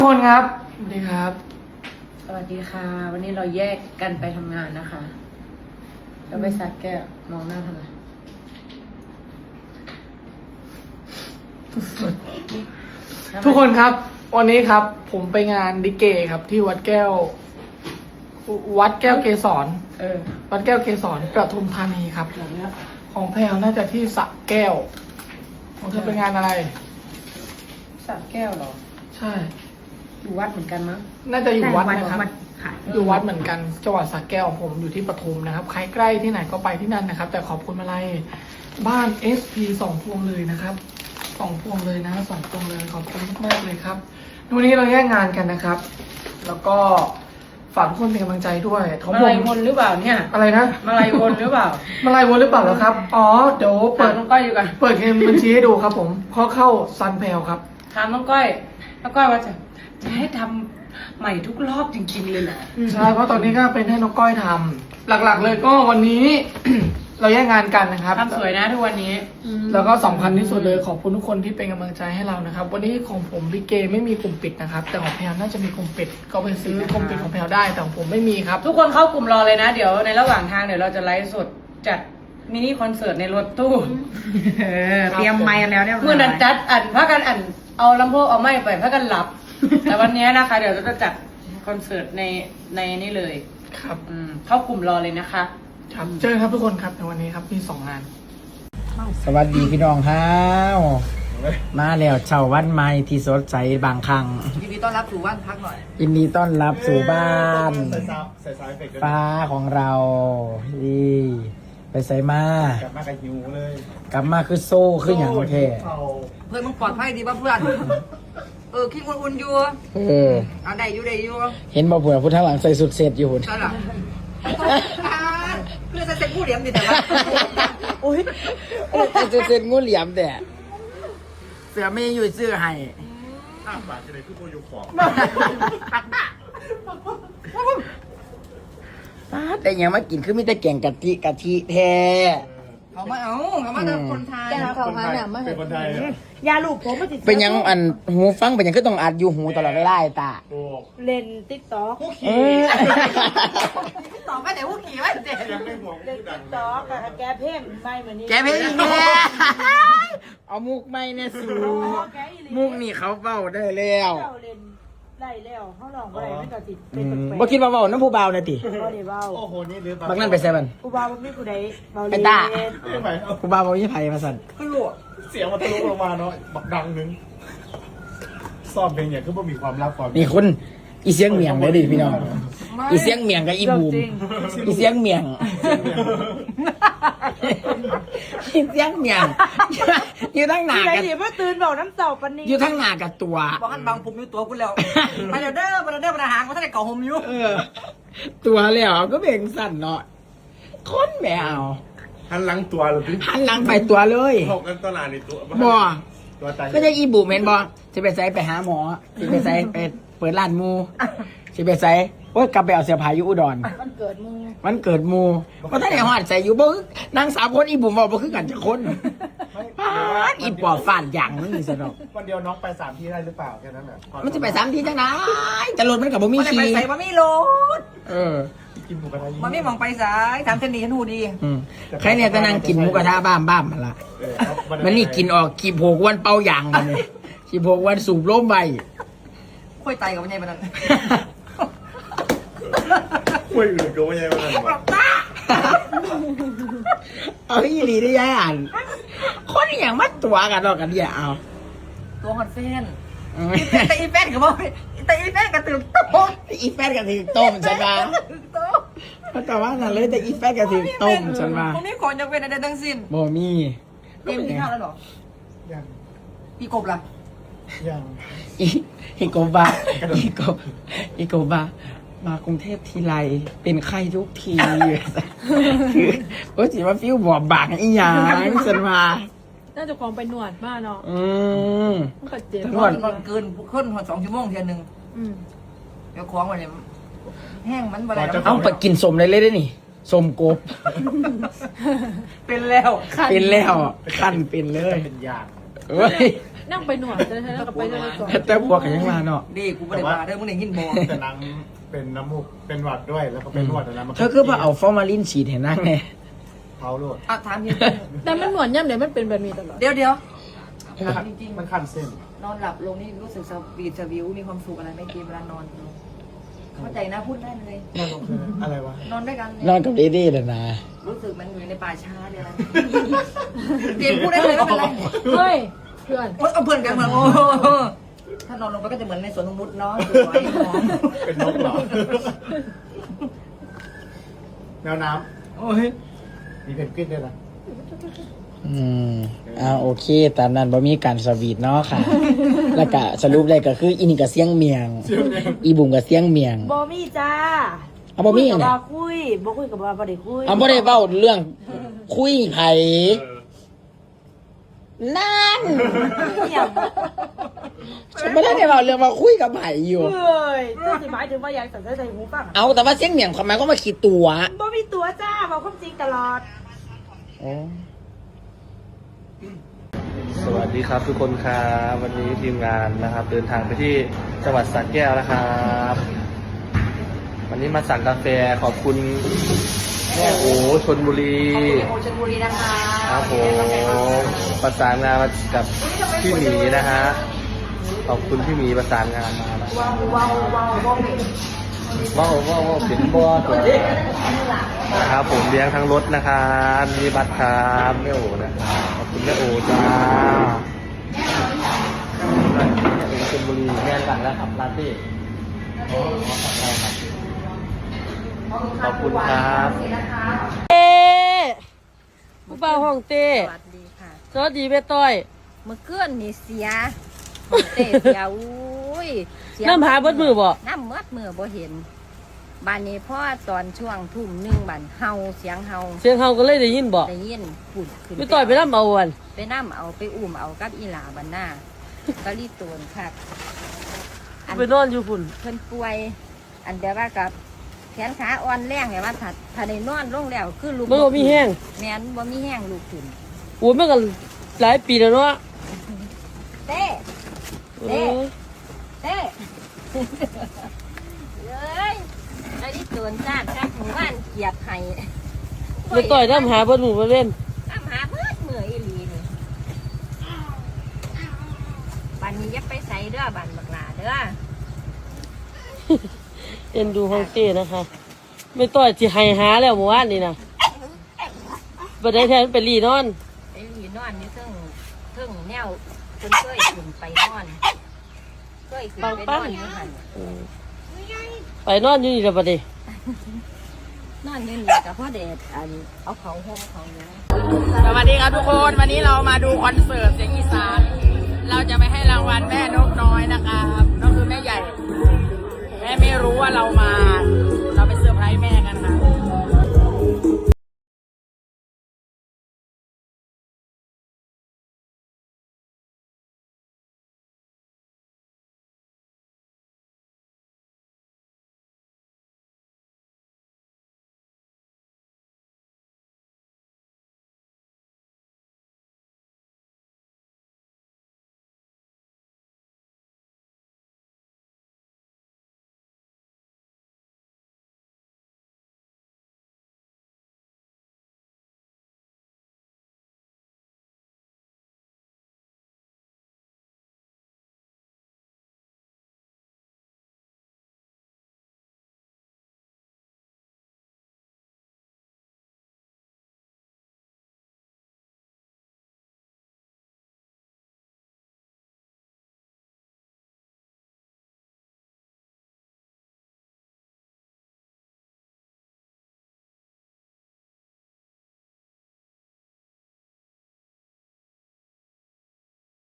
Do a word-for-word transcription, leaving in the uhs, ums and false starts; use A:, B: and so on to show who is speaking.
A: ทุกคนครับสวัสดีครับ
B: สวัสดีค่ะ วันนี้เราแยกกันไปทำงานนะคะเราไปสักแก้วมองหน้าทำไม
A: ทุกคนครับวันนี้ครับ ผมไปงานดิเกครับ ที่วัดแก้ว วัดแก้วเกสร
B: เออ
A: วัดแก้วเกสรปทุมธานีครับของแพลวน่าจะที่สระแก้วของเธอเป็นงานอะไร
B: สักแก้วเหรอ
A: ใช่
B: อยู่วัดเหมือนกันมั้ง
A: น่าจะอยู่วัดนะครับ
B: ค่ะ
A: อยู่วัดเหมือนกันจังหวัดสระแก้วผมอยู่ที่ปทุมนะครับใครใกล้ที่ไหนก็ไปที่นั่นนะครับ แต่ขอบคุณมาลัยบ้าน เอส พี สองพวงเลยนะครับสองพวงเลยนะสองพวงเลยขอบคุณมากๆเลยครับวันนี้เราแยกงานกันนะครับ แล้วก็ฝากทุกคนเป็นกำลังใจด้วยของ
B: มา
A: ผ
B: ลาย
A: ม
B: วนหรือเปล่าเนี่ย
A: อะไรนะ
B: มาลายวนหรือเปล่า
A: มาลายวนหรือเปล่าเหรอครับอ๋อเดี๋ยว
B: ถา
A: เปิ
B: ม
A: ด
B: น้องก้อยอยู่กัน
A: เปิดเกมบัญชีให้ดูครับผมข้อเข้าซันแพลครับ
B: ถามน้องก้อยน้องก้อยว่าจะจะให้ทำใหม่ทุกรอบจริงๆเลยเหรอ
A: ใช่เพราะตอนนี้ก็เป็นให้น้องก้อยทำหลักๆ เลยก็วันนี้ เราแยกงานกันนะครับ
B: ทำสวยนะทุกวันนี้
A: แล้วก็สำคัญที่สุดเลยขอบคุณทุกคนที่เป็นกำลังใจให้เรานะครับ วันนี้ของผมพี่เกไม่มีกลุ่มปิดนะครับ แต่ของแพลน่าจะมีกลุ่มปิด ก็เป็นสิทธิ์ในกลุ่มปิดของแพลได้แต่ของผมไม่มีครับ
B: ทุกคนเข้ากลุ่มรอเลยนะ เดี๋ยวในระหว่างทางเดี๋ยวเราจะไลฟ์สดจัดมินิคอนเสิร์ตในรถตู้
C: เออเตรียมไมค์แล้วเนี่ย
B: เมื่อนั้นจัดอันพักกันอันเอาลำโพงเอาไม้ไปพักกันหลับ แต่วันนี้นะคะ เดี๋ยวเราจะจัดคอนเสิร์ตในในนี่เลย
A: ครับ
B: อืมเข้ากลุ่มรอเลยนะคะ
A: ครับเจอกันครับทุกคนครับในวันนี้ครับมีสองงาน
C: สวัสดีพี่น้องครับมาแล้วเช้าวันใหม่ที่สดใสบางครั้ง
B: ยินดีต้อนรับสู่บ้านพักหน่อย
C: ยินดีต้อนรับสู่บ้าน
D: ใส่ซาวใส่ซาวเอฟเฟกต์ด้วย
C: ฟ้าของเรานี่ไปใส่มาก
D: ลับมากับหิวเลย
C: กลับมาคือโซ่คืออย่างแท้
D: เขา
E: เพื่อนมึงปลอดภัยดีป่ะเพื่อน เออคิดอุ่นๆอยู่
C: เออ
E: เอาได้อยู่ได้อยู่
C: เห็นบ่เผื่อผู้ทางหลังใส่สุดเสร็จอยู่หุ่น
E: ใช่หรอเพื่อนจะเซ็ตผู้เหลี่ยมดิแต่ว่า
C: อุ้ยใส่สุดเสร็จงูเหลี่ยมแต่เสือไม่อยู่ซื้อให้
D: อ้าปากจะได้คือโบยูของ
C: แต่ยังมากินคือมีแต่แกงกะทิกะทิแท้
E: เขามาเอาเขามาจากคนไทย
D: เขาหาเนี่ยไม่เป็นคนไทยเหรอย
F: าลูกผมมาติด
C: เป็นยังอันหูฟังเป็นยังก็ต้องอัดอยู่หูตลอดเวลาไอ้ตา
D: โอ้
F: เล่นติ๊กต็อก
D: ผู้
C: เอ
D: ขี่
C: อ
E: ต่อไปแต่ผู้ขี่ไว้เด็ด
D: ยังไม่ห่วง
F: เล่น
D: ผู้ดั
F: ติ๊
D: ง
F: กต็อกกับแกเพ่งไม่เหมือนนี้
C: แกเพลงอีกแน่เอามุกไม่เนี่ยสูมุกนี่เขาเบ้าได้แล้ว
F: เจ้าเล่นได้แล้วเขาลองอะไรไม่ก็ติด
C: อื
F: เป็น
C: ม
F: แปลก
C: บ่คิดว่าเบ้าน้ำผู้เบานะติ
F: ๆบ่ได้เบา
D: โอ้โหนี่หรือ
C: บักนั่นไปใส่มัน
F: ผู้บ่าวบ่มีผู้ใดเบา
C: ไอ้
F: เล่น
C: ตา
D: ไม่ไหวเอา
C: ผู้เบาบ่มีไผมาสั่น
E: คือหลวง
D: เสียงมันทะลุลงมาเนาะบักดังนึงซ่อมเพลงอย่างคือบ่มีความลับความ
C: นี่คุณอีเสียงเมียงเลยดิพี่น้องอีเสียงเมียงกับอีบูมอีเสียงเมียงอีเสียงเมียงอยู่ทั้งหน้า
F: ที่ไหน
C: กับ
F: ดิเมื่อตื่นบอกน้ำเต่าปันนี้
C: อยู่ทั้งหน้ากับตัว
E: บอกให้บางผมอยู่ตัวกูแล้วมาเดี๋ยวเด้อมาเดี๋ยวเด้อมาหางมาท่านได้เก่าหมอยู่
C: เออ ตัวแล้วก็เบ่งสั่นเนาะคนแมว
D: หันหลังตัวหรือพี่
C: หันหลังไปตัวเลย
D: หกกันตลาดในตัว
C: บ่
D: ตัวตาย
C: ก็จะอีบูมเห็นบ่จะไปใส่ไปหาหมอจะไปใส่ไปเปิดร้านหมูจะไปใส่โอ๊ยกลับไปเอาเสื้อผ้าอยู่อุดร
F: มันเกิดมึง
C: มันเกิดหมูเพราะถ้าในหอดใส่อยู่บ่นางสามคนอีบุ๋มบอกบ่คือกันจะคนปาดอีปอบฟาดอย่างนึงนี่สนอก
D: วันเดียวน้องไปสามที่ได้หรือเปล่าแค่นั้นแหละ
C: มันจะไปสามทีจังไดแต่รถมันกับบ่มี
E: มาได้ไป
C: ขี่
E: ใส่มามีโลด
C: เออ
D: กินหมูกระทะ
E: มามีมองไปสายถามเทนนี่ฉันหูดี
C: อืมใครเนี่ยจะนั่งกินหมูกระทะบ้ามบ้ามมาละ
D: เออเอา
C: มันนี่กินออกกี่โผกวันเป่าอย่างมันนี่กี่โผกวันสูบลมใบ
E: ค่อยไตกับมันยังไงมันนั่น
D: คุยอื่นก็ไม่ใช่ว่านั่นหรอก
C: เอาอีหลีได้ยังอ่านคนอหย่างมัดตัวกันหรอกกันเนี่ยเอา
E: ตัวฮอนเฟน
C: เออ
E: แต่อีแฟนกับบ่แต่อีแฟนกับตื่นโต๊ะ
C: อีแฟนกันถึงต้มฉันว่า
E: โต๊ะ
C: เพราะแต่ว่านั่นเลยแต่อีแฟนกันถึงต้มฉันว่า
E: ผมมีของจะเป็นอะไรทั้งสิ้น
C: บ่มี
E: เต็มที่ข้าวแล้วหรอ
D: ยัง
E: พี่กบล่ะ
D: ยัง
C: อีอีโกบาอีโกอีโกบามากรุงเทพทีไรเป็นไข้ทุกทีคือโอ้จิว่าฟิวบอบบางอีหยังฉันว่า
F: น่าจะของไปหนวดมากเนาะ
C: อืม
F: มันก็เจ็บ
C: ทั้ง
E: น
C: หม
E: อ
C: ด
E: นนอนเกินขึ้นหัวสองชั่วโมงเทียนหนึ่ง
F: อืม
E: เดี๋ยวคล้องไว้เลยแห้งมันบ่ได้
C: เอาไปกินสมเลยเลยได้นี่สมกบ
E: เป็นแล้ว
C: เป็นแล้วขั้นเป็นเลย
D: เป็นยาง
C: เฮ้ย
F: นั่งไปหนวดเลยแล้วก็ไปเลยก่อน
C: แต่บวกกันยังมาเนาะ
E: ดีกูไม่ได้มาเด้อมึงได้ยินบอก
D: แต่นางเป็นน้ำมูกเป็นหวัดด้วยแล้วก็เป็นหวัดแล้วมัน
C: เธอคือว่าเอาฟอร์มาลินฉีดให้นั่งไง
D: เผาโลด
E: อ่ะถามจริง
F: แต่มันหนวดย่ำเดี๋ยวมันเป็นแบบนี้ตลอด
E: เดี๋ยวเดี๋ยวถามจริง
D: มันคันเส้น
E: ๆนอนหลับลงนี่รู้สึกสวีทสวิวมีความสุขอะไรไหม่เกมเวลานอนเข้าใจนะพูดได้เลย
D: นอนลงคืออะไรวะ
E: นอนด้วยกัน
C: นอนกับเดดี้เลยนะ
E: รู้สึกมันอยู่ในป่าช้าเดียวนะเกมพูดได้เลยไม่เป็นไร
F: เฮ้ยเพื่อน
E: โอ๊ยเอาเพื่อนกันเหมือนโอ้ถ้านอนลงไปก็จะเหมือนในสวนนงนุษย์เนาะสวยหอม
D: เป็นนกเหรอแมวน้
E: โอ้ย
D: ำมีเพนกวินด้วยนะ
C: อืมอ่าโอเคตามนั้นบ่มีการสวีทเนาะค่ะ แล้วก็สรุปเลยก็คืออีนี่ก็เสียงเมียง อีบุ๋มก็เสียงเมียง
F: บอมี่จ้า
C: เอาบ่มี
F: คุย
C: อั
F: กัน บ
C: ไหน
F: ว่าคุยบ่คุยกับว่าบ่ได้คุย
C: เอาบ่ได้เว้าเรื่องคุยไผนั่น
F: เนี่ย
C: ฉันไม่ได้เว้าเรื่องว่าคุยกับไผอยู่
F: เฮ้ยเจ้าสิหมายถึงว่าอยากใส่ใส่หูฟังอะ
C: เอาแต่ว่าเสียงเมียงทำไมก็มาคิดตัว
F: บ่มีตัวจ้าบอกความจริงตลอด
G: สวัสดีครับทุกคนครับวันนี้ทีมงานนะครับ เดินทางไปที่จังหวัดสระแก้วนะครับ วันนี้มาสั่งกาแฟขอบคุณแม่โอชนบุรี
E: โอชลบุรีนะคะ
G: ครับผมประสานงานมากับพี่หมีนะฮะขอบคุณพี่หมีประสานงานมานะ
E: ว้าวว้าวว้าวว้าว
G: ว้าวว้าวว้าวเป็นบัวตัวนะครับผมเลี้ยงทั้งรถนะครับมีบัตรครับแม่โอนะครับขอบคุณแม่โอจ้าแม่โอชลบุรีแม่สั่งแล้วครับลาเต้ขอบคุณครับ
H: เต้ผู้บ่าวห้องเต้
I: สวัสดีค่ะ
H: สวัสดีแม่ต้อย
I: เมื่อคืนนี่เสียเตะเสียอุ้ยเสีย
H: น้ำหาเบิดมือบ่
I: น้ำเมืดมือบ่เห็นบานนี้พ่อตอนช่วงทุ่มหนึ่งบันเฮาเสียงเฮา
H: เสียงเฮาก็เลยได้ยินบ่
I: ได้ยินปุ่นขึ้น
H: แม่ต้อยไปนำเอาวัน
I: ไปน้ำเอาไปอุ้มเอากับอีหลาบันหน้าก็รีบโตนคักอัน
H: ไปนอนอยู่พุ่น
I: เพิ่นป่วย อันเดียวว่ากับแขนขาอ่อนแรงไงว่าถ้าถ้าได้นอนลงแล้วคือลูก
H: มันบ่มีแห้ง
I: แม่นบ่มีแห้งลูกขึ้น
H: โอ้ยมันก็หลายปีแล้วเนาะ
I: เต้
H: เออ
I: เต้เลยไอ้นี่โดนจ้าจ้าหมู่บ้านเกียบไห้
H: แม่ต้อยน้ำหาเบิดมือมาเล่น
I: น้ำหาเมื่อเมื่ออีหลีนี่บันนี้อยับไปใส่เด้อบันบักหลาเด้อ
H: เอ็นดูห้องเต้นะคะแม่ต้อยสิให้หาแล้วเมื่อวานนี่นะบ่ได้แทนไปรีนอน
I: ไอ้หลีนอนนี่เทิงเทิงแนวเพิ่นเคยขึ้นไปนอนเคยขึ้นไปนอนอยู่หัน
H: ไปนอนอยู่นี่แล้วบัดนี้
I: นอนอยู่นี่กับพ่อเดชอันเอาเขาห่มเขาเนี้ย
C: สวัสดีครับทุกคน วันนี้เรามาดูคอนเสิร์ตเสียงอีสาน เราจะไปให้รางวัลแม่นกน้อยนะครับก็คือ